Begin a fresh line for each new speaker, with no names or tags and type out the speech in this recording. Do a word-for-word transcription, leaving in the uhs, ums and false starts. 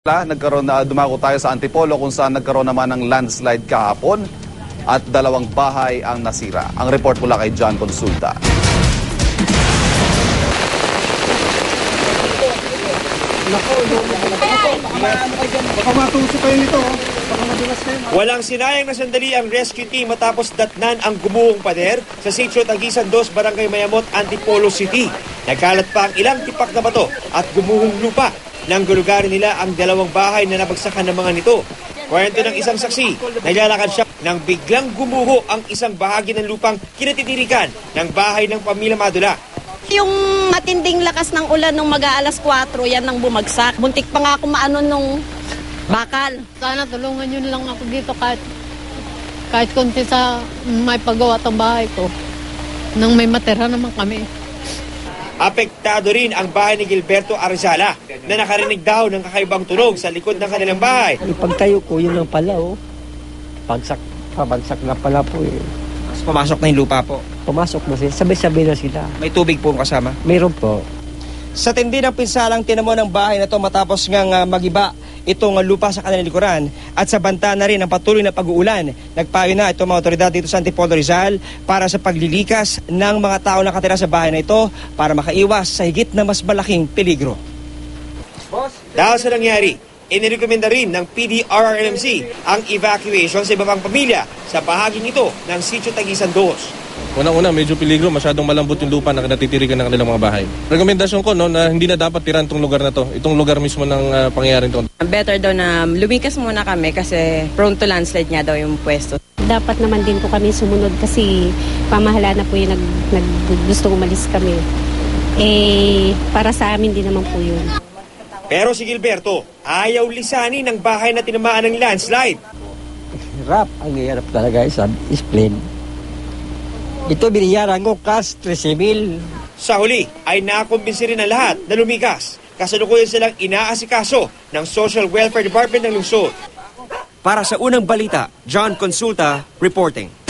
Nagkaroon na dumako tayo sa Antipolo kung saan nagkaroon naman ng landslide kahapon at dalawang bahay ang nasira. Ang report mula kay John Consulta.
Walang sinayang na sandali ang rescue team matapos datnan ang gumuhong pader sa Sitio Tagisan dos, Barangay Mayamot, Antipolo City. Nagkalat pa ang ilang tipak na bato at gumuhong lupa. Nang gulugarin nila ang dalawang bahay na nabagsakan ng mga nito. Kwento ng isang saksi, naglalakad siya nang biglang gumuho ang isang bahagi ng lupang kinatitirikan ng bahay ng pamilya Madula.
Yung matinding lakas ng ulan nung mag-aalas kwatro, yan ang bumagsak. Buntik pa nga ako maano nung bakal.
Sana tulungan nyo lang ako dito kahit, kahit konti sa may paggawa ng bahay ko. Nang may matera naman kami.
Apektado rin ang bahay ni Gilberto Arzala na nakarinig daw ng kakaibang tunog sa likod ng kanilang bahay.
Pagtayo ko, yun lang pala, oh. Pagsak, pabagsak na pala po, eh.
Mas pumasok na yung lupa po?
Pumasok na sila, sabay-sabay na sila.
May tubig po kasama?
Mayroon po.
Sa tindi ng pinsalang tinamo ng bahay na to matapos ngang uh, magiba itong uh, lupa sa kanilang likuran at sa banta na rin ang patuloy na pag-uulan. Nagpayo na itong mga otoridad dito sa Antipolo Rizal para sa paglilikas ng mga tao na nakatira sa bahay na ito para makaiwas sa higit na mas malaking peligro.
Dahil sa nangyari, inirekomenda rin ng P D R R M C ang evacuation sa iba pang pamilya sa bahaging ito ng Sitio Tagisan dos.
Unang-una, medyo peligro, masyadong malambot yung lupa na natitirikan ng kanilang mga bahay. Rekomendasyon ko no, na hindi na dapat tiran itong lugar na to, itong lugar mismo ng uh, pangyayaring ito.
Better daw na lumikas muna kami kasi prone to landslide nga daw yung pwesto.
Dapat naman din po kami sumunod kasi pamahala na po yung nag, nag, gusto umalis kami. Eh, para sa amin din naman po yun.
Pero si Gilberto, ayaw lisanin ng bahay na tinamaan ng landslide.
Hirap, ang hirap talaga sa spleen. Ito biniyaran ko cash trese mil.
Sa huli ay nakumbinsi rin ang lahat na lumikas. Kasalukuyan silang inaasikaso ng Social Welfare Department ng lungsod.
Para sa unang balita, John Consulta reporting.